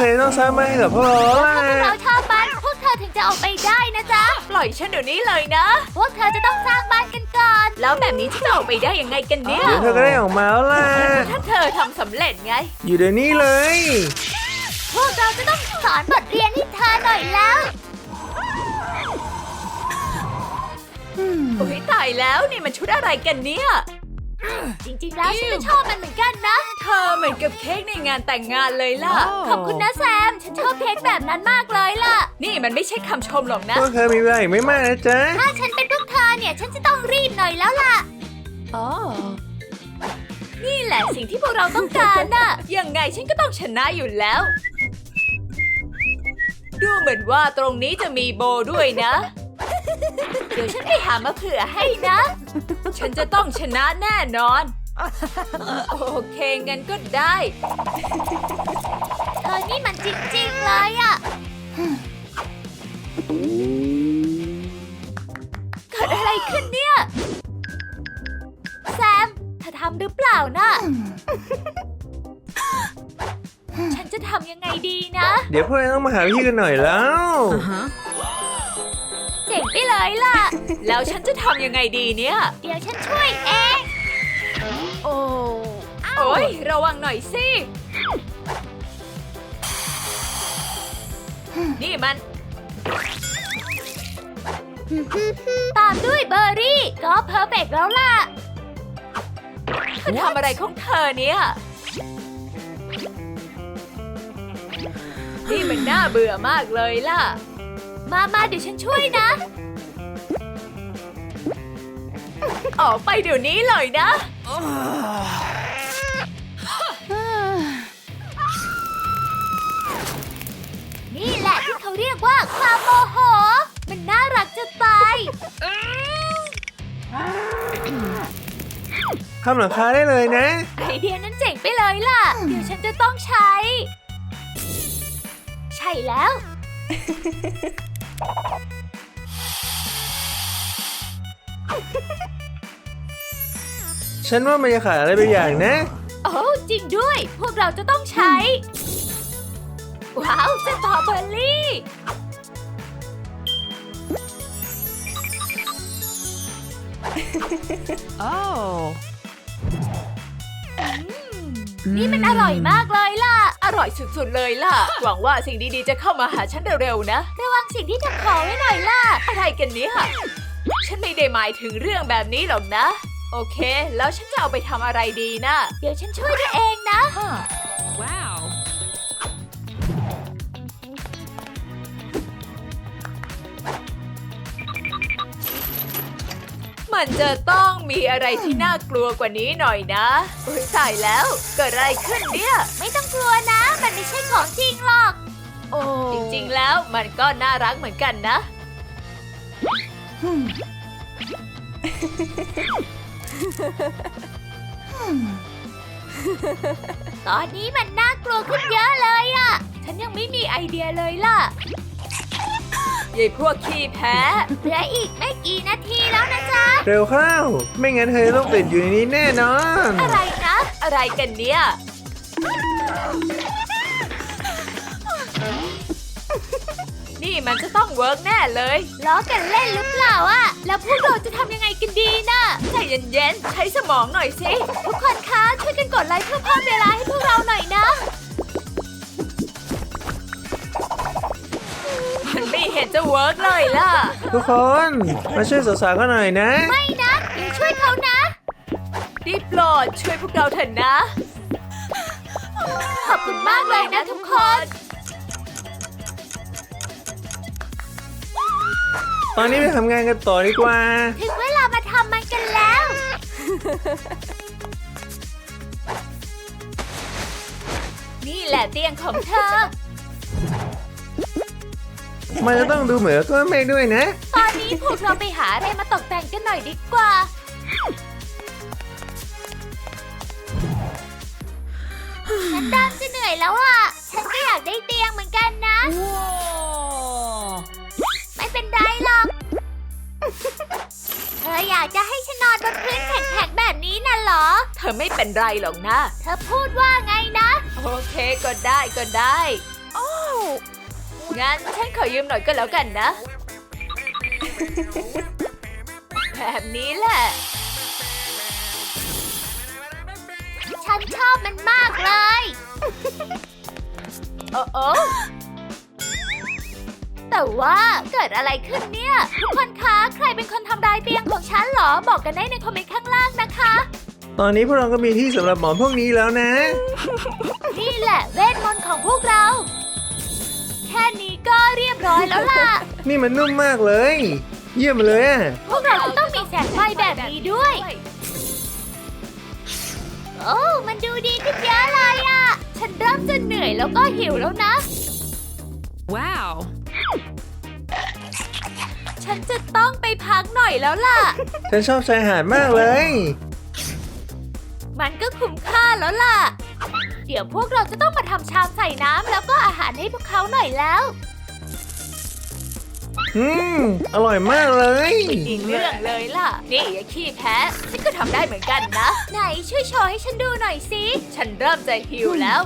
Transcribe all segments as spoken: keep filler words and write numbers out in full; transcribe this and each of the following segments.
ธอต้องสร้างบ้านให้กับพวกเราถ้าล่ะพวกเราชอบบ้านพวกเธอถึงจะออกไปได้นะจ๊ะปล่อยฉันเดี๋ยวนี้เลยนะพวกเธอจะต้องสร้างบ้านกันก่อนแล้วแบบนี้ฉันจะออกไปได้ยังไงกันเนี่ยเดี๋ยวเธอก็ได้ออกมาแล้วล่ะถ้าเธอทำสำเร็จไงอยู่เดี๋ยวนี้เลยพวกเราจะต้องสอนบทเรียนให้เธอหน่อยแล้วโอ้ยตายแล้วนี่มันชุดอะไรกันเนี่ยจริงๆแล้วฉันก็ชอบมันเหมือนกันนะเธอเหมือนกับเค้กในงานแต่งงานเลยล่ะขอบคุณนะแซม ฉันชอบเค้กแบบนั้นมากเลยล่ะนี่มันไม่ใช่คำชมหรอกนะพวกเธอมีเวลาอีกไม่มากนะจ๊ะถ้าฉันเป็นพวกเธอเนี่ย ฉันจะต้องรีบหน่อยแล้วล่ะนี่แหละสิ่งที่พวกเราต้องการน่ะ ยังไงฉันก็ต้องชนะอยู่แล้ว ดูเหมือนว่าตรงนี้จะมีโบด้วยนะ เดี๋ยวฉันไปหามาเผื่อให้นะ ฉันจะต้องชนะแน่นอน โอเคงั้นก็ได้เธอนี่มันจริงๆเลยอะเกิดอะไรขึ้นเนี่ยแซมเธอทำหรือเปล่าน่ะฉันจะทำยังไงดีนะเดี๋ยวพวกเราต้องมาหาวิธีกันหน่อยแล้วเจ๋งไปเลยล่ะแล้วฉันจะทำยังไงดีเนี่ยเดี๋ยวฉันช่วยเองโอ้โอ้ยระวังหน่อยสิ นี่มันตามด้วยเบอร์รี่ ก็เพอร์เฟกต์แล้วล่ะเธอทำอะไรของเธอเนี่ย นี่มันน่าเบื่อมากเลยล่ะมามาเดี๋ยวฉันช่วยนะออกไปเดี๋ยวนี้เลยนะนี่แหละที่เขาเรียกว่าความโมโห มันน่ารักจะตายทำหลังคาได้เลยนะไอเดียนั้นเจ๋งไปเลยล่ะ เดี๋ยวฉันจะต้องใช้ ใช่แล้วฉันว่ามันจะขาดอะไรบางอย่างนะโอ้จริงด้วย พวกเราจะต้องใช้ ว้าวสตรอเบอร์รี่ นี่มันอร่อยมากเลยล่ะอร่อยสุดๆเลยล่ะ หวังว่าสิ่งดีๆจะเข้ามาหาฉันเร็วๆนะระวังสิ่งที่เธอขอไว้หน่อยล่ะอะไรกันเนี่ย ฉันไม่ได้หมายถึงเรื่องแบบนี้หรอกนะ โอเค แล้วฉันจะเอาไปทำอะไรดีนะเดี๋ยวฉันช่วยด้วยเองนะว้าว มันจะต้องมีอะไรที่น่ากลัวกว่านี้หน่อยนะอุ้ยตายแล้ว เกิดอะไรขึ้นเนี่ยไม่ต้องกลัวนะ มันไม่ใช่ของจริงหรอกโอ้จริงๆแล้วมันก็น่ารักเหมือนกันนะตอนนี้มันน่ากลัวขึ้นเยอะเลยอะฉันยังไม่มีไอเดียเลยล่ะยายพวกขี้แพ้เหลืออีกไม่กี่นาทีแล้วนะจ๊ะเร็วเข้า ไม่งั้นเธอต้องติดอยู่ในนี้แน่นอนอะไรนะอะไรกันเนี่ย นี่มันจะต้องเวิร์กแน่เลยล้อกันเล่นหรือเปล่าอะแล้วพวกเราจะทำยังไงกันดีนะใจเย็นๆ ใช้สมองหน่อยสิทุกคนคะช่วยกันกดไลค์เพื่อเพิ่มเวลาให้พวกเราหน่อยนะมันไม่เห็นจะเวิร์กเลยล่ะทุกคนมาช่วยสาวๆกันหน่อยนะไม่นะอย่าช่วยเขานะได้โปรดช่วยพวกเราเถอะนะขอบคุณมากเลยนะทุกคนตอนนี้ไปทำงานกันต่อดีกว่าถึงเวลามาทำมันกันแล้วนี่แหละเตียงของเธอมันจะต้องดูเหมือนต้นเมฆด้วยนะตอนนี้พวกเราไปหาอะไรมาตกแต่งกันหน่อยดีกว่า ฉันดำจะเหนื่อยแล้วอ่ะ ฉันก็อยากได้เตียงเหมือนกันนะ ไม่เป็นไรหรอก เธออยากจะให้ฉันนอนบนพื้นแข็งๆแบบนี้น่ะเหรอเธอไม่เป็นไรหรอกนะเธอพูดว่าไงนะโอเคก็ได้ก็ได้ โอ้งั้นฉันขอยืมหน่อยก็แล้วกันนะ แบบนี้แหละฉันชอบมันมากเลยโอ้โอ้แต่ว่าเกิดอะไรขึ้นเนี่ย ทุกคนคะ ใครเป็นคนทำลายเตียงของฉันเหรอ บอกกันได้ในคอมเมนต์ข้างล่างนะคะตอนนี้พวกเราก็มีที่สำหรับหมอนพวกนี้แล้วนะนี่แหละเวทมนต์ของพวกเรา แค่นี้ก็เรียบร้อยแล้วล่ะนี่มันนุ่มมากเลย เยี่ยมเลยอะพวกเราจะต้องมีแสงไฟแบบนี้ด้วย โอ้ มันดูดีขึ้นเยอะเลยอะ ฉันเริ่มจะเหนื่อยแล้วก็หิวแล้วนะว้าว ฉันจะต้องไปพักหน่อยแล้วล่ะฉันชอบชายหาดมากเลยมันก็คุ้มค่าแล้วล่ะ เดี๋ยวพวกเราจะต้องมาทำชามใส่น้ำแล้วก็อาหารให้พวกเขาหน่อยแล้วอืม อร่อยมากเลยอีกเรื่องเลยล่ะ นี่อย่าขี้แพ้ ฉันก็ทำได้เหมือนกันนะไหนช่วยโชว์ให้ฉันดูหน่อยสิฉันเริ่มจะหิวแล้ว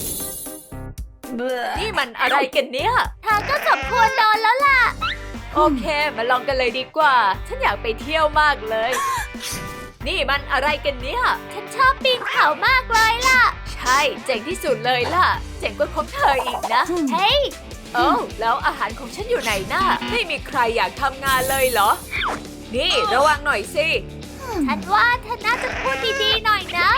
นี่มันอะไรกันเนี่ยเธอก็สมควรโดนแล้วล่ะโอเค มาลองกันเลยดีกว่า ฉันอยากไปเที่ยวมากเลย นี่มันอะไรกันเนี่ยฉันชอบปีนเขามากเลยล่ะใช่ เจ๋งที่สุดเลยล่ะ เจ๋งกว่าของเธออีกนะเฮ้ยโอ้าแล้วอาหารของฉันอยู่ไหนน่ะไม่มีใครอยากทำงานเลยเหรอ นี่ระวังหน่อยสิฉันว่าเธอน่าจะพูดดีๆหน่อยนะ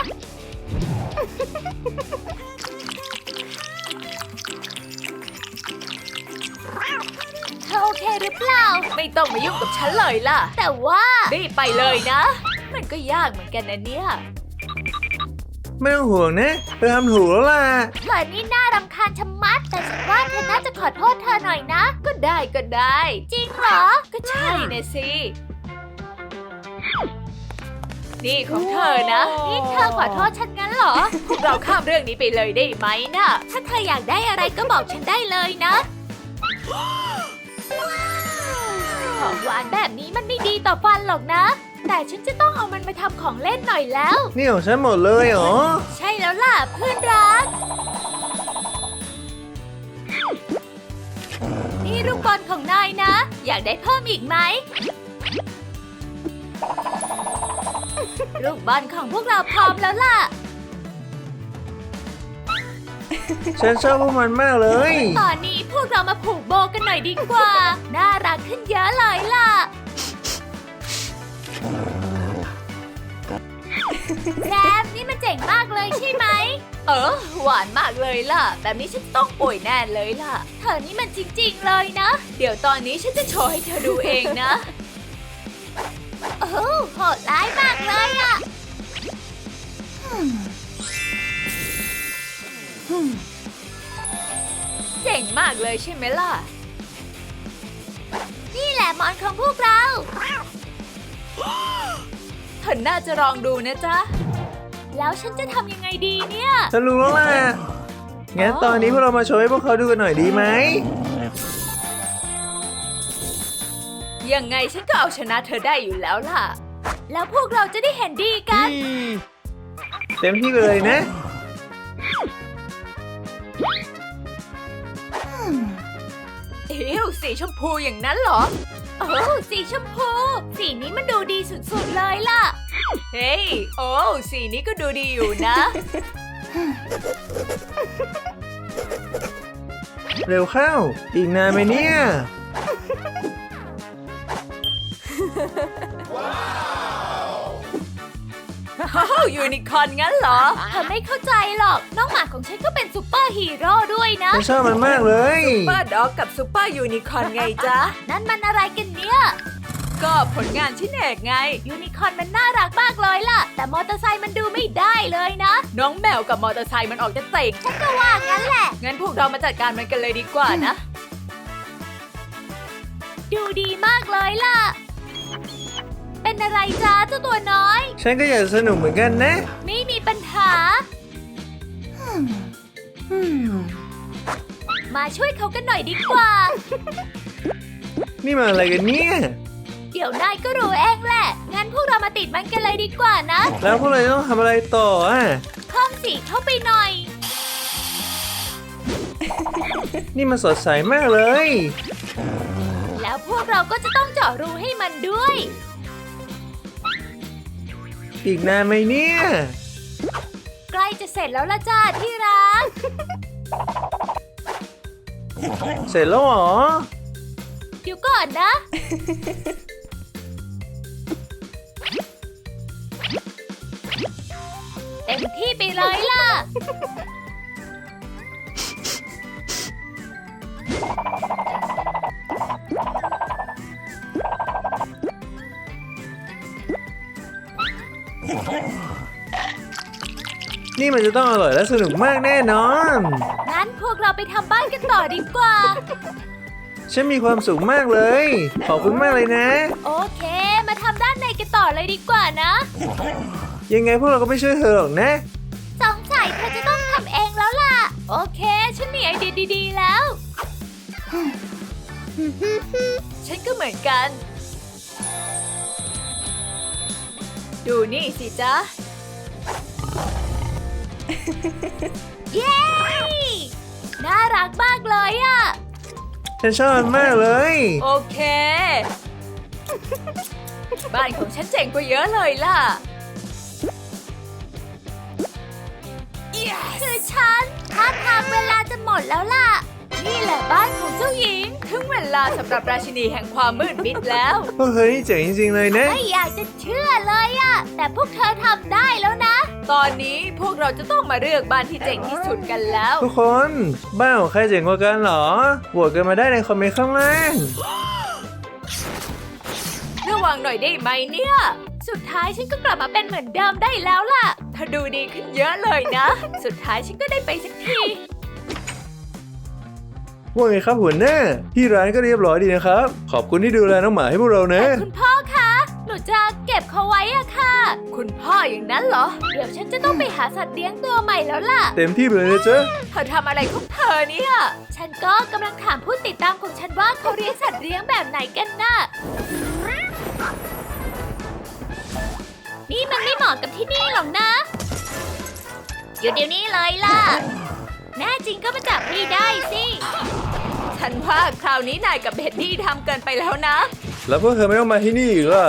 เธอโอเคหรือเปล่าไม่ต้องมายุ่งกับฉันเลยล่ะแต่ว่ารีบไปเลยนะ มันก็ยากเหมือนกันนะเนี่ยไม่ต้องห่วงนะเธอทำถูกแล้วล่ะเธอนี่น่ารำคาญชะมัด แต่ฉันว่าเธอน่าจะขอโทษเธอหน่อยนะก็ได้ก็ได้จริงเหรอก็ใช่นะสิ นี่ของเธอนะนี่เธอขอโทษฉันงั้นเหรอพวกเราข้ามเรื่องนี้ไปเลยได้ไหมนะถ้าเธออยากได้อะไรก็บอกฉันได้เลยนะ ของหวานแบบนี้มันไม่ดีต่อฟันหรอกนะ แต่ฉันจะต้องเอามันไปทำของเล่นหน่อยแล้วนี่ของฉันหมดเลยเหรอใช่แล้วล่ะเพื่อนรัก นี่ลูกบอลของนายนะ อยากได้เพิ่มอีกไหม ลูกบอลของพวกเราพร้อมแล้วล่ะฉันชอบพวกมันมากเลยตอนนี้พวกเรามาผูกโบกันหน่อยดีกว่า น่ารักขึ้นเยอะเลยล่ะ แรมนี่มันเจ๋งมากเลยใช่ไหมเออ หวานมากเลยล่ะ แบบนี้ฉันต้องป่วยแน่เลยล่ะเธอนี่มันจริงๆเลยนะเดี๋ยวตอนนี้ฉันจะโชว์ให้เธอดูเองนะโอ้โหโหดร้ายมากเลยอะเจ๋งมากเลยใช่ไหมล่ะนี่แหละหมอนของพวกเราเธอน่าจะลองดูนะจ๊ะแล้วฉันจะทำยังไงดีเนี่ยฉันรู้แล้วล่ะ งั้นตอนนี้พวกเรามาโชว์ให้พวกเขาดูกันหน่อยดีไหมยังไงฉันก็เอาชนะเธอได้อยู่แล้วล่ะแล้วพวกเราจะได้เห็นดีกันเต็มที่ไปเลยนะเอ้วสีชมพูอย่างนั้นเหรอโอ้สีชมพู สีนี้มันดูดีสุดๆเลยล่ะเฮ้ย โอ้สีนี้ก็ดูดีอยู่นะเร็วเข้า อีกนานไหมเนี่ยว้าวยูนิคอร์นงั้นเหรอเธอไม่เข้าใจหรอก น้องหมาของฉันก็เป็นซูเปอร์ฮีโร่ด้วยนะฉันชอบมันมากเลยซูเปอร์ด็อกกับซูเปอร์ยูนิคอร์นไงจ๊ะนั่นมันอะไรกันเนี่ยก็ผลงานชิ้นเอกไงยูนิคอร์นมันน่ารักมากเลยล่ะ แต่มอเตอร์ไซค์มันดูไม่ได้เลยนะน้องแมวกับมอเตอร์ไซค์มันออกจะเตกฉันก็ว่างั้นแหละงั้นพวกเรามาจัดการมันกันเลยดีกว่านะดูดีมากเลยล่ะ เป็นอะไรจ้าเจ้าตัวน้อยฉันก็อยากสนุกเหมือนกันนะไม่มีปัญหา มาช่วยเขากันหน่อยดีกว่านี่มาอะไรกันเนี่ยเดี๋ยวนายก็รู้เองแหละ งั้นพวกเรามาติดมันกันเลยดีกว่านะแล้วพวกเราจะต้องทำอะไรต่ออ่ะเพิ่มสีเข้าไปหน่อยนี่มันสดใสมากเลยแล้วพวกเราก็จะต้องเจาะรูให้มันด้วยอีกนานไหมเนี่ยใกล้จะเสร็จแล้วละจ้าที่รักเสร็จแล้วเหรอเดี๋ยวก่อนนะ เต็มที่ไปเลยล่ะนี่มันจะต้องอร่อยและสนุกมากแน่นอนงั้นพวกเราไปทำบ้านกันต่อดีกว่าฉันมีความสุขมากเลย ขอบคุณมากเลยนะโอเค มาทำด้านในกันต่อเลยดีกว่านะยังไงพวกเราก็ไม่ช่วยเธอหรอกนะสงสัยเธอจะต้องทำเองแล้วล่ะ โอเค ฉันมีไอเดียดีๆแล้วฉันก็เหมือนกัน ดูนี่สิจ๊ะเย้ น่ารักมากเลยอะฉันชอบมันมากเลยโอเค บ้านของฉันเจ๋งกว่าเยอะเลยล่ะคือฉันท่าทางเวลาจะหมดแล้วล่ะ นี่แหละบ้านของเจ้าหญิงถึงเวลาสำหรับราชินีแห่งความมืดมิดแล้วพวกเธอนี่เจ๋งจริงๆเลยนะไม่อยากจะเชื่อเลยอะแต่พวกเธอทำได้แล้วนะตอนนี้พวกเราจะต้องมาเลือกบ้านที่เจ๋งที่สุดกันแล้วทุกคน บ้านของใครเจ๋งกว่ากันเหรอโหวตกันมาได้ในคอมเมนต์ข้างล่างระวังหน่อยได้ไหมเนี่ยสุดท้ายฉันก็กลับมาเป็นเหมือนเดิมได้แล้วล่ะเธอดูดีขึ้นเยอะเลยนะ สุดท้ายฉันก็ได้ไปสักทีว่าไงครับหัวหน้าที่ร้านก็เรียบร้อยดีนะครับ ขอบคุณที่ดูแลน้องหมาให้พวกเรานะแต่คุณพ่อคะ หนูจะเก็บเขาไว้อะค่ะคุณพ่ออย่างนั้นเหรอเดี๋ยวฉันจะต้องไปหาสัตว์เลี้ยงตัวใหม่แล้วล่ะเต็มที่ไปเลยนะจ๊ะเธอทำอะไรของเธอเนี่ยฉันก็กำลังถามผู้ติดตามของฉันว่าเขาเลี้ยงสัตว์เลี้ยงแบบไหนกันน่ะ นี่มันไม่เหมาะกับที่นี่หรอกนะ อยู่เดี๋ยวนี้เลยล่ะ แน่จริงก็มาจับพี่ได้สิฉันว่าคราวนี้นายกับเบ็ดดี้ทำเกินไปแล้วนะแล้วพวกเธอไม่ต้องมาที่นี่อีกล่ะ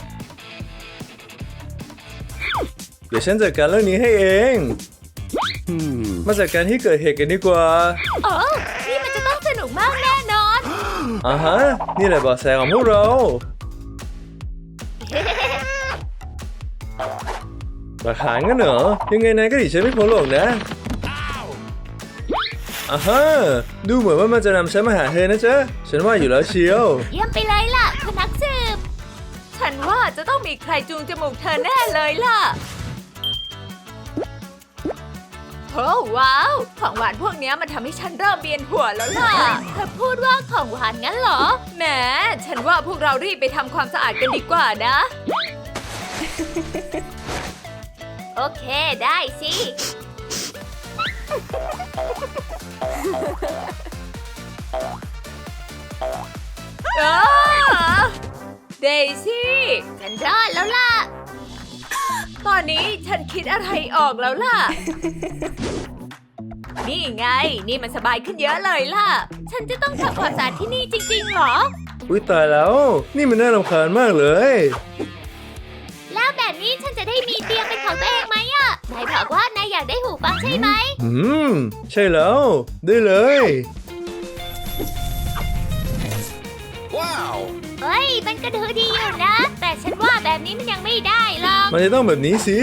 เดี๋ยวฉันจัดการเรื่องนี้ให้เอง มาจัดการที่เกิดเหตุกันดีกว่าโอ้นี่มันจะต้องสนุกมากแน่นอนอ่าฮะ นี่แหละเบาะแสของพวกเรา หลักฐานกันเหรอ ยังไงนายก็หนีฉันไม่พ้นหรอกนะอ่าฮะ ดูเหมือนว่ามันจะนำฉันมาหาเธอนะจ๊ะ ฉันว่าอยู่แล้วเชียวเยี่ยมไปเลยล่ะคุณนักสืบฉันว่าจะต้องมีใครจูงจมูกเธอแน่เลยล่ะ โอ้ว้าว ของหวานพวกเนี้ยมันทำให้ฉันเริ่มเวียนหัวแล้วล่ะเธอพูดว่าของหวานงั้นเหรอแหม ฉันว่าพวกเรารีบไปทำความสะอาดกันดีกว่านะโอเคได้สิอ้าเดซี่ฉันรอดแล้วล่ะตอนนี้ฉันคิดอะไรออกแล้วล่ะ นี่ไง นี่มันสบายขึ้นเยอะเลยล่ะฉันจะต้องทำความสะอาดที่นี่จริงๆเหรออุ้ยตายแล้ว นี่มันน่ารำคาญมากเลยแล้วแบบนี้ฉันจะได้มีเตียงเป็นของตัวเองไหมอะนายบอกว่านายอยากได้หูฟังใช่ไหมอืม ใช่แล้ว ได้เลยเฮ้ย มันก็ดูดีอยู่นะ แต่ฉันว่าแบบนี้มันยังไม่ได้หรอกมันจะต้องแบบนี้สิ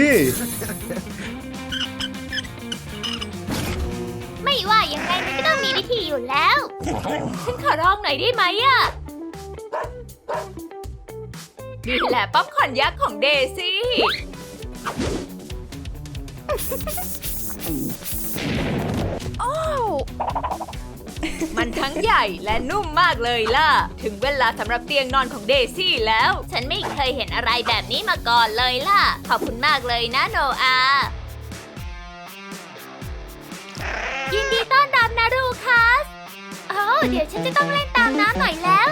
ไม่ว่ายังไงมันก็ต้องมีวิธีอยู่แล้ว ฉันขอร้องหน่อยได้ไหมอะนี่แหละป๊อปคอร์นยักษ์ของเดซี่ มันทั้งใหญ่และนุ่มมากเลยล่ะ ถึงเวลาสำหรับเตียงนอนของเดซี่แล้วฉันไม่เคยเห็นอะไรแบบนี้มาก่อนเลยล่ะ ขอบคุณมากเลยนะโนอายินดีต้อนรับนะรูคัสโอ้เดี๋ยวฉันจะต้องเล่นตามน้ำหน่อยแล้ว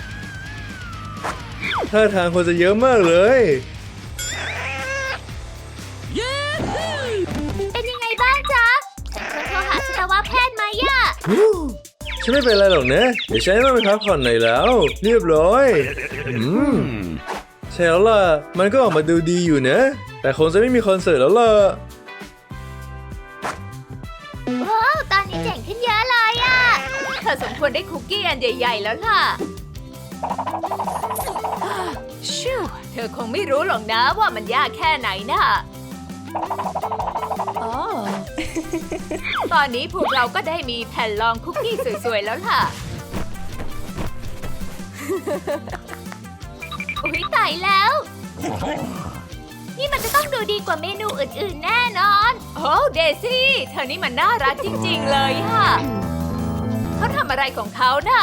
ท่าทางคนจะเยอะมากเลยฮู้ฉันไม่เป็นไรหรอกนะ เดี๋ยวฉันต้องไปพักผ่อนหน่อยแล้ว เรียบร้อยอืมใช่แล้วล่ะ มันก็ออกมาดูดีอยู่นะ แต่คงจะไม่มีคอนเสิร์ตแล้วล่ะว้าวตอนนี้เจ๋งขึ้นเยอะเลยอะเธอสมควรได้คุกกี้อันใหญ่ๆแล้วล่ะชิวเธอคงไม่รู้หรอกนะว่ามันยากแค่ไหนน่ะอ๋อ ตอนนี้พวกเราก็ได้มีแผ่นรองคุกกี้สวยๆแล้วล่ะอุ๊ยตายแล้ว นี่มันจะต้องดูดีกว่าเมนูอื่นๆแน่นอนโอ้เดซี่เธอนี่มันน่ารักจริงๆเลยค่ะ เขาทำอะไรของเขาน่ะ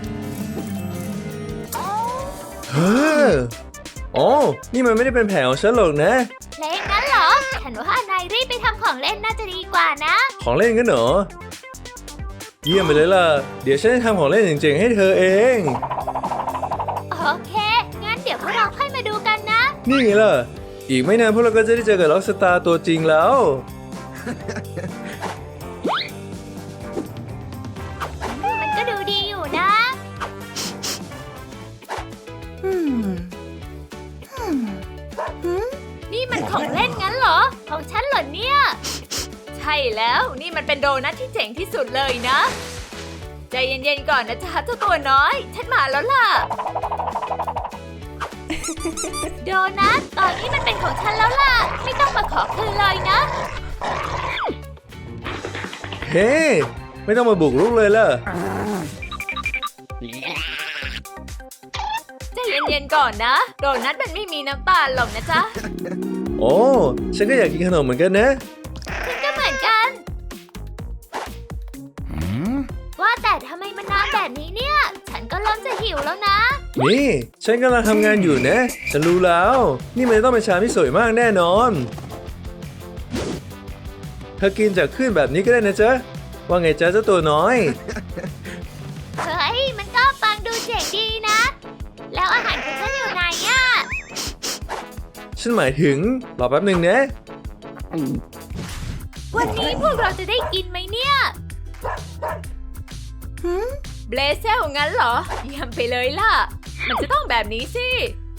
เฮ้ออ๋อ นี่มันไม่ได้เป็นแผนของฉันหรอกนะเล่นงั้นเหรอ ฉันว่านายรีบไปทำของเล่นน่าจะดีกว่านะของเล่นกันเหรอ เยี่ยมไปเลยล่ะ เดี๋ยวฉันจะทำของเล่นเจ๋งๆให้เธอเองโอเค งั้นเดี๋ยวพวกเราค่อยมาดูกันนะนี่ไงล่ะ อีกไม่นานพวกเราก็จะได้เจอกับล็อกสตาร์ตัวจริงแล้วมันก็ดูดีอยู่นะ นี่มันของเล่นงั้นเหรอ ของฉันเหรอเนี่ยใช่แล้วนี่มันเป็นโดนัทที่เจ๋งที่สุดเลยนะ ใจเย็นๆก่อนนะจ๊ะเจ้าตัวน้อย ฉันมาแล้วล่ะโดนัทตอนนี้มันเป็นของฉันแล้วล่ะ ไม่ต้องมาขอคืนเลยนะเฮ้ ไม่ต้องมาบุกรุกเลยล่ะใจเย็นๆก่อนนะ โดนัทมันไม่มีน้ำตาลหรอกนะจ๊ะโอ้ ฉันก็อยากกินขนมเหมือนกันนะฉันก็เหมือนกัน ว่าแต่ทำไมมันนานแบบนี้เนี่ย ฉันก็เริ่มจะหิวแล้วนะนี่ ฉันกำลังทำงานอยู่นะ ฉันรู้แล้ว นี่มันต้องเป็นชามที่สวยมากแน่นอน เธอกินจากขึ้นแบบนี้ก็ได้นะจ๊ะ ว่าไงจ๊ะเจ้าตัวน้อยเฮ้ย มันก็ฟังดูเจ๋งดีนะ แล้วอาหารของฉันอยู่ไหนอะฉันหมายถึง รอแป๊บหนึ่งนะวันนี้พวกเราจะได้กินไหมเนี่ยเบลเซลงั้นเหรอ เยี่ยมไปเลยล่ะ มันจะต้องแบบนี้สิ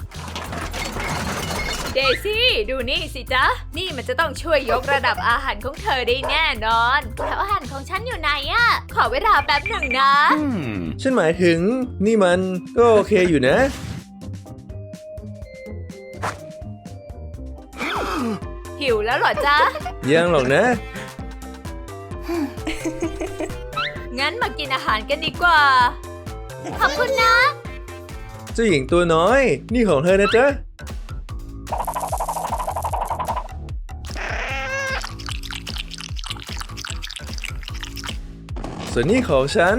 เดซี่ดูนี่สิจ๊ะ นี่มันจะต้องช่วยยกระดับอาหารของเธอได้แน่นอนแล้วอาหารของฉันอยู่ไหนอะขอเวลาแป๊บหนึ่งนะฉันหมายถึง นี่มันก็โอเคอยู่นะหิวแล้วเหรอจ๊ะยังหรอกนะงั้นมากินอาหารกันดีกว่าขอบคุณนะเจ้าหญิงตัวน้อย นี่ของเธอนะจ๊ะ ส่วนนี้ของฉัน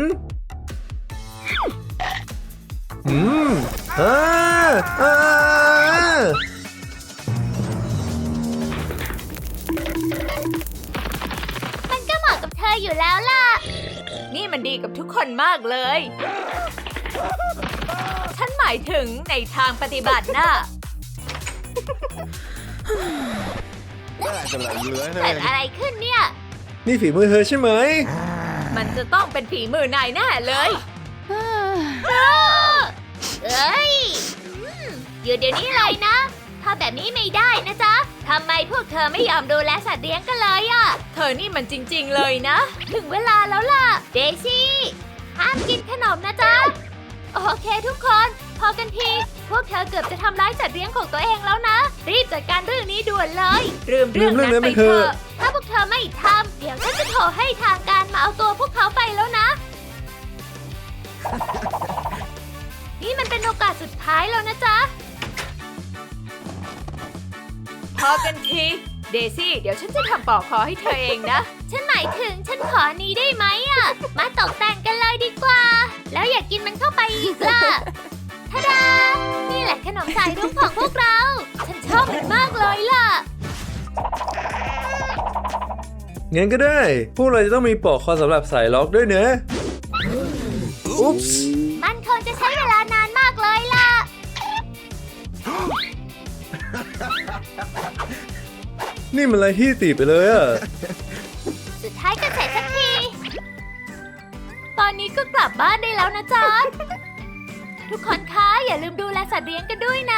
อืมอ่าอ่ามันก็เหมาะกับเธออยู่แล้วล่ะนี่มันดีกับทุกคนมากเลย ฉันหมายถึงในทางปฏิบัติน่ะเกิดอะไรขึ้นเนี่ยนี่ฝีมือเธอใช่ไหมมันจะต้องเป็นฝีมือนายแน่เลยเอ้ยอืมอยู่เดี๋ยวนี้เลยนะ ถ้าแบบนี้ไม่ได้นะจ๊ะทำไมพวกเธอไม่ยอมดูแลสัตว์เลี้ยงกันเลยอะเธอนี่มันจริงๆเลยนะถึงเวลาแล้วล่ะ เดซี่ ห้ามกินขนมนะจ๊ะ โอเคทุกคน พอกันที พวกเธอเกือบจะทำร้ายสัตว์เลี้ยงของตัวเองแล้วนะ รีบจัดการเรื่องนี้ด่วนเลยลืมเรื่องนั้นไปเถอะถ้าพวกเธอไม่ทำ เดี๋ยวฉันจะโทรให้ทางการมาเอาตัวพวกเขาไปแล้วนะ นี่มันเป็นโอกาสสุดท้ายแล้วนะจ๊ะพอกันที เดซี่เดี๋ยวฉันจะทำปอกคอให้เธอเองนะฉันหมายถึงฉันขอนี้ได้ไหมอ่ะ มาตกแต่งกันเลยดีกว่า แล้วอย่ากกินมันเข้าไปอีกล่ะทะดา นี่แหละขนมสายรุ้งของพวกเรา ฉันชอบมันมากเลยล่ะงั้นก็ได้ พวกเราจะต้องมีปลอกคอสำหรับสายล็อกด้วยนะ อุ๊ปส์มันคงจะใช้เวลานานมากเลยล่ะนี่มันอะไรที่ตีไปเลยอะสุดท้ายก็เสร็จสักทีนี้ก็กลับบ้านได้แล้วนะจ๊ะ ทุกคนคะอย่าลืมดูแลสัตว์เลี้ยงกันด้วยนะ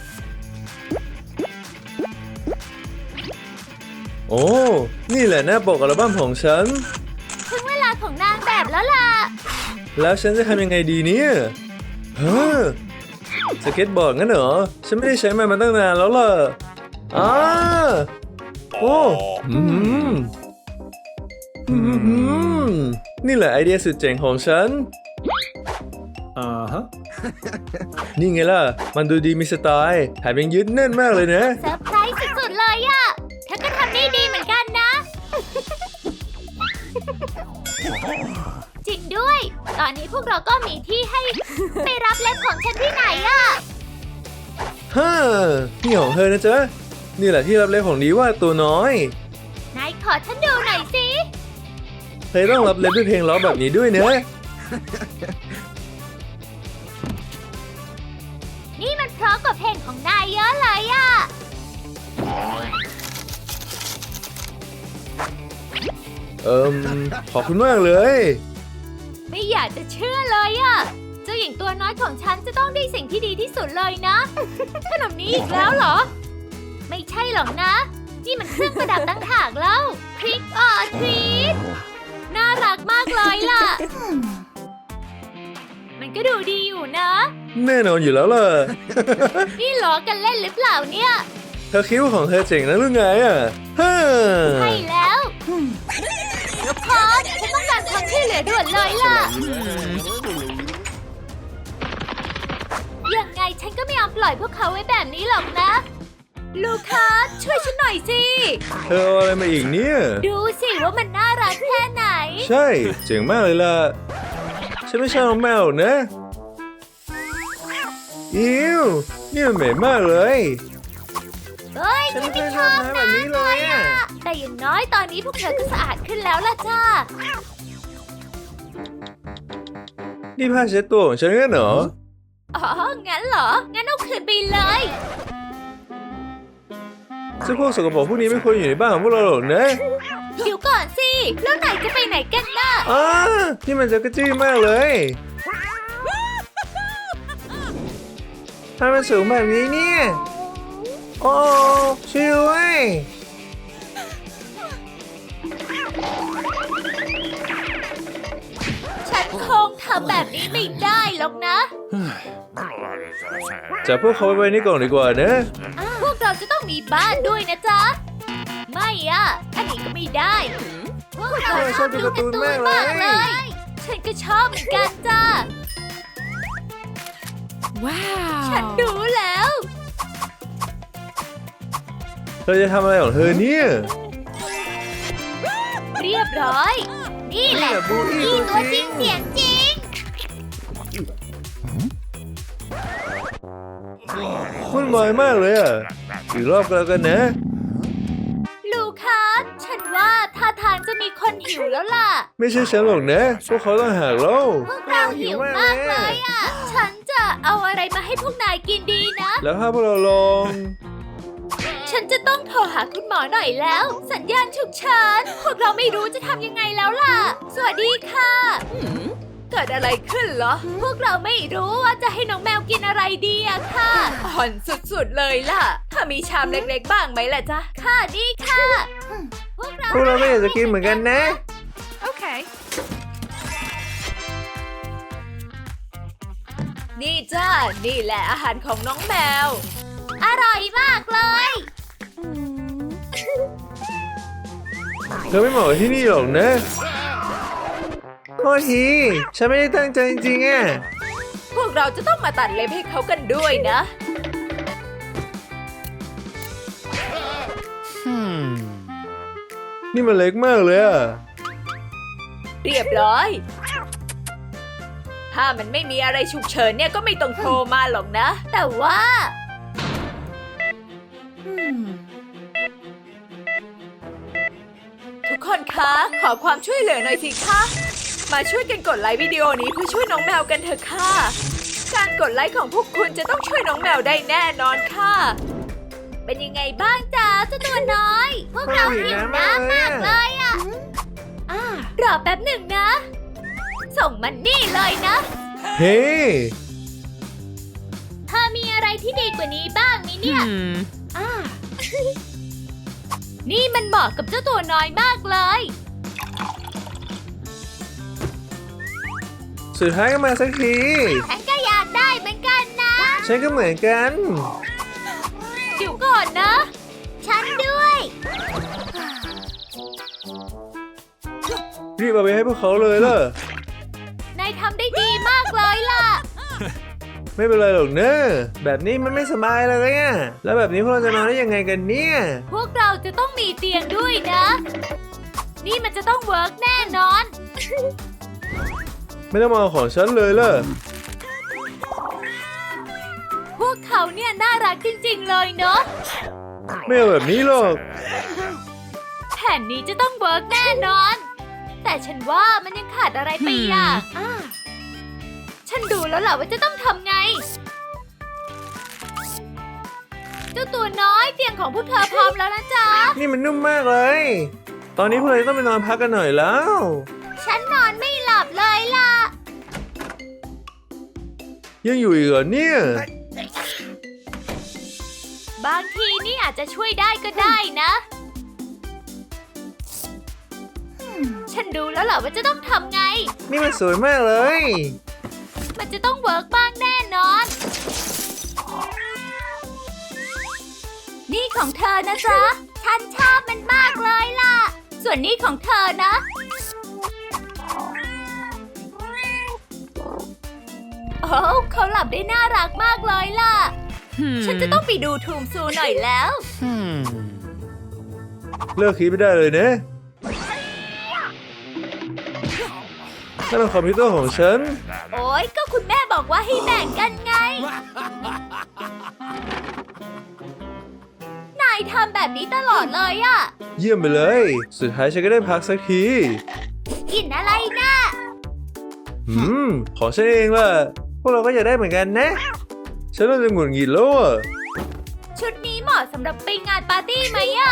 โอ้นี่แหละหน้าปกอัลบั้มของฉันถึงเวลาของนางแบบแล้วล่ะแล้วฉันจะทำยังไงดีเนี่ยเฮ้อสเก็ตบอร์ดงั้นเหรอ ฉันไม่ได้ใช้มันมาตั้งนานแล้วล่ะอ้าโอ้อืมอืมนี่แหละไอเดียสุดเจ๋งของฉันอ่าฮะนี่ไงล่ะ มันดูดีมีสไตล์แถมยังยึดแน่นมากเลยนะเซอร์ไพรส์สุดๆเลยอะเธอก็ทำได้ดีเหมือนกันนะ จริงด้วย ตอนนี้พวกเราก็มีที่ให้ ไปรับเล็บของฉันที่ไหนอะฮ่านี่ของเธอนะจ๊ะ นี่แหละที่รับเล็บของดีว่าตัวน้อยนายขอฉันดูหน่อยสิเธอต้องรับเล็บด้วยเพลงล้อแบบนี้ด้วยนะนี่มันเพราะกับเพลงของนายเยอะเลยอะเอิมขอบคุณมากเลยไม่อยากจะเชื่อเลยอะเจ้าหญิงตัวน้อยของฉันจะต้องได้สิ่งที่ดีที่สุดเลยนะ ขนมนี้อีกแล้วเหรอ ไม่ใช่หรอกนะ นี่มันเครื่องประดับตั้งหากแล้วทริกออทรีตน่ารักมากเลยล่ะ มันก็ดูดีอยู่นะแน่นอนอยู่แล้วล่ะนี่ล้อกันเล่นหรือเปล่าเนี่ยเธอคิดว่าของเธอเจ๋งนะหรือไงอ่ะฮ่าใช่แล้วลูกคอสฉันต้องการความช่วยเหลือด่วนเลยล่ะ ยังไงฉันก็ไม่ยอมปล่อยพวกเขาไว้แบบนี้หรอกนะ ลูคัสช่วยฉันหน่อยสิเธอเอาอะไรมาอีกเนี่ยดูสิว่ามันน่ารักแค่ไหนใช่ เจ๋งมากเลยล่ะ ฉันไม่ชอบน้องแมวหรอกนะ อิวนี่มันเหม็นมากเลยเฮ้ยฉันฉันไม่ไม่เคยชอบทำนะแบบนี้เลยอะแต่อย่างน้อยตอนนี้พวกเธอก็สะอาดขึ้นแล้วล่ะจ้านี่ผ้าเช็ดตัวของฉันงั้นเหรออ๋อ งั้นเหรอ งั้นเอาคืนไปเลยเจ้าพวกสกปรกพวกนี้ไม่ควรอยู่ในบ้านของพวกเราหรอกนะเดี๋ยวก่อนสิ แล้วไหนจะไปไหนกันล่ะอ้านี่มันจะกระจี้มากเลยทำไมมันสูงแบบนี้เนี่ย โอ้ช่วยด้วยฉันคงทำแบบนี้ไม่ได้หรอกนะจับพวกเขาไว้ในกล่องดีกว่านะพวกเราจะต้องมีบ้านด้วยนะจ๊ะ ไม่อ่ะ อันนี้ก็ไม่ได้ พวกเราชอบดูการ์ตูนมากเลย ฉันก็ชอบเหมือนกันจ้าว้าวฉันรู้แล้วเธอจะทำอะไรของเธอเนี่ยเรียบร้อย นี่แหละนี่แหละบูอี้นี่ตัวตัวจจริริงงเสียงจริงวุ่นวายมากเลยอ่ะ อีกรอบก็แล้วกันนะลูคัส ฉันว่าท่าทางจะมีคนหิวแล้วล่ะไม่ใช่ฉันหรอกนะ พวกเขาต้องหากเราพวกเราหิวมากเลยอ่ะ ฉันจะเอาอะไรมาให้พวกนายกินดีนะแล้วถ้าพวกเราลองฉันจะต้องโทรหาคุณหมอหน่อยแล้ว สัญญาณฉุกเฉินพวกเราไม่รู้จะทำยังไงแล้วล่ะ สวัสดีค่ะเกิดอะไรขึ้นเหรอพวกเราไม่รู้ว่าจะให้น้องแมวกินอะไรดีอะค่ะอ่อนสุดๆเลยล่ะ ถ้ามีชามเล็กๆบ้างไหมล่ะจ๊ะค่ะนี่ค่ะ พวกเราพวกเราก็อยากจะกินเหมือนกันนะโอเค นี่จ้า นี่แหละอาหารของน้องแมวอร่อยมากเลยเธอไม่เหมาะกับที่นี่หรอกนะโทษที ฉันไม่ได้ตั้งใจจริงๆอ่ะพวกเราจะต้องมาตัดเล็บให้เขากันด้วยนะนี่มันเล็กมากเลยอ่ะเรียบร้อย ถ้ามันไม่มีอะไรฉุกเฉินเนี่ยก็ไม่ต้องโทรมาหรอกนะแต่ว่าทุกคนคะ ขอความช่วยเหลือหน่อยสิคะ มาช่วยกันกดไลค์วิดีโอนี้เพื่อช่วยน้องแมวกันเถอะค่ะ การกดไลค์ของพวกคุณจะต้องช่วยน้องแมวได้แน่นอนค่ะเป็นยังไงบ้างจ๊ะเจ้าตัวน้อย พวกเราหิวน้ำมากเลยอะรอแป๊บหนึ่งนะ สส่งมันนี่เลยนะเฮ้เธอมีอะไรที่ดีกว่านี้บ้างไหมเนี่ย อ่า นี่มันเหมาะกับเจ้าตัวน้อยมากเลยสุดท้ายก็มาสักทีฉันก็อยากได้เหมือนกันนะฉันก็เหมือนกันเดี๋ยวก่อนนะ ฉันด้วยรีบเอาไปให้พวกเขาเลยล่ะนายทำได้ดีมากเลยล่ะไม่เป็นไรหรอกเนอะแบบนี้มันไม่สบายเลยอะแล้วแบบนี้พวกเราจะนอนได้ยังไงกันเนี่ยพวกเราจะต้องมีเตียงด้วยนะ นี่มันจะต้องเวิร์กแน่นอนไม่ต้องมาเอาของฉันเลยล่ะพวกเขาเนี่ยน่ารักจริงๆเลยเนาะไม่เอาแบบนี้หรอกแผนนี้จะต้องเวิร์กแน่นอน แต่ฉันว่ามันยังขาดอะไรไปอย่างอ่ะฉันดูแล้วแหละว่าจะต้องทำไง เจ้าตัวน้อยเตียงของพวกเธอพร้อมแล้วนะจ๊ะนี่มันนุ่มมากเลย ตอนนี้พวกเราต้องไปนอนพักกันหน่อยแล้วฉันนอนไม่หลับเลยล่ะยังอยู่อีกเหรอเนี่ยบางทีนี่อาจจะช่วยได้ก็ได้นะ ฉันดูแล้วแหละว่าจะต้องทำไงนี่มันสวยมากเลยมันจะต้องเวิร์กบ้างแน่นอน นี่ของเธอนะจ๊ะ ฉันชอบมันมากเลยล่ะ ส่วนนี้ของเธอนะ โอ้เขาหลับได้น่ารักมากเลยล่ะ ฉันจะต้องไปดูทูมซูหน่อยแล้วเลิกคิดไม่ได้เลยนะนั่นเป็นคอมพิวเตอร์ของฉันโอ้ยก็คุณแม่บอกว่าให้แบ่งกันไง นายทำแบบนี้ตลอดเลยอะเยี่ยมไปเลย สุดท้ายฉันก็ได้พักสักทีกินอะไรนะอืม ของฉันเองล่ะ พวกเราก็อยากได้เหมือนกันนะ ฉันเริ่มจะหงุดหงิดแล้วอ่ะชุดนี้เหมาะสำหรับไปงานปาร์ตี้ไหมอะ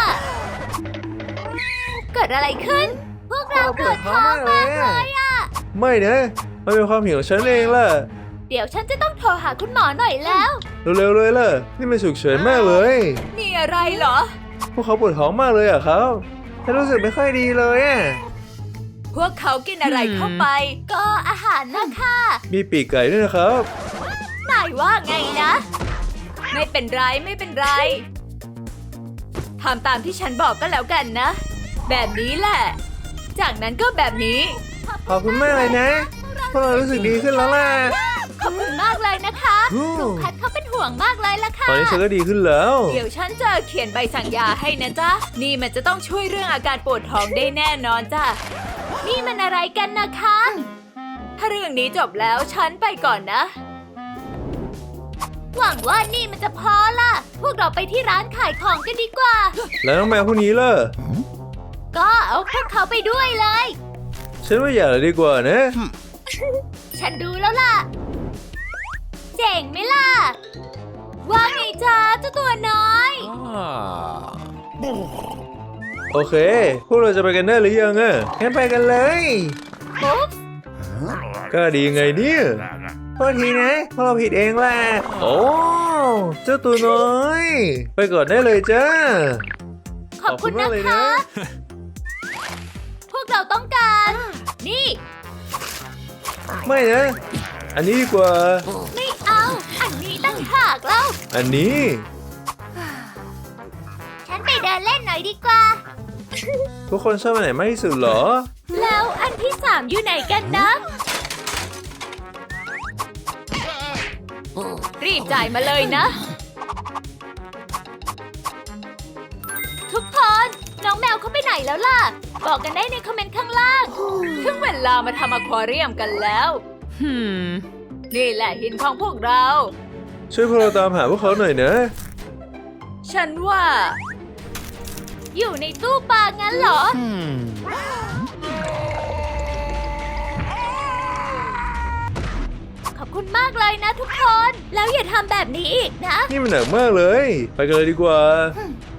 เกิดอะไรขึ้น พวกเราปวดท้องมากเลยอะไม่นะ มันเป็นความผิดของฉันเองล่ะเดี๋ยวฉันจะต้องโทรหาคุณหมอหน่อยแล้วเร็วๆเลยล่ะ นี่มันฉุกเฉินมากเลยมีอะไรเหรอพวกเขาปวดท้องมากเลยอ่ะครับฉันรู้สึกไม่ค่อยดีเลยอ่ะพวกเขากินอะไรเข้าไปก็อาหารนะคะมีปีกไก่ด้วยนะครับนายว่าไงนะไม่เป็นไรไม่เป็นไรทำตามที่ฉันบอกก็แล้วกันนะ แบบนี้แหละ จากนั้นก็แบบนี้ขอบคุณมากเลยนะ พวกเรารู้สึกดีขึ้นแล้วล่ะขอบคุณมากเลยนะคะอืมลุงแพทเขาเป็นห่วงมากเลยล่ะค่ะตอนนี้ฉันก็ดีขึ้นแล้วเดี๋ยวฉันจะเขียนใบสั่งยาให้นะจ๊ะ นี่มันจะต้องช่วยเรื่องอาการปวดท้องได้แน่นอนจ้ะนี่มันอะไรกันนะคะถ้าเรื่องนี้จบแล้วฉันไปก่อนนะหวังว่านี่มันจะพอล่ะ พวกเราไปที่ร้านขายของกันดีกว่าแล้วน้องแมวพวกนี้ล่ะก็เอาพวกเขาไปด้วยเลยฉันว่าอย่าเลยดีกว่านะฉันดูแล้วล่ะ เจ๋งไหมล่ะ ว่าไงจ๊ะเจ้าตัวน้อยโอเค พวกเราจะไปกันได้หรือยังอ่ะงั้นไปกันเลยปุ๊บก็ดียังไงเนี่ยโทษทีนะพวกเราผิดเองแหละ โอ้ เจ้าตัวน้อย ไปก่อนได้เลยจ้าขอบคุณขอบคุณมานะกเลยคะนะพวกเราต้องการ นี่ไม่นะ อันนี้ดีกว่าไม่เอา อันนี้ตั้งหากแล้วอันนี้ฉันไปเดินเล่นหน่อยดีกว่าทุกคนชอบอันไหนมากที่สุดเหรอแล้วอันที่สามอยู่ไหนกันนะรีบจ่ายมาเลยนะทุกคน น้องแมวเขาไปไหนแล้วล่ะ บอกกันได้ในคอมเมนต์ข้างล่างถึงเวลามาทำอควาเรียมกันแล้ว นี่แหละหินของพวกเราช่วยพวกเราตามหาพวกเขาหน่อยนะฉันว่าอยู่ในตู้ปลางั้นเหรอ ขอบคุณมากเลยนะทุกคน แล้วอย่าทำแบบนี้อีกนะนี่มันหนักมากเลย ไปกันเลยดีกว่าไ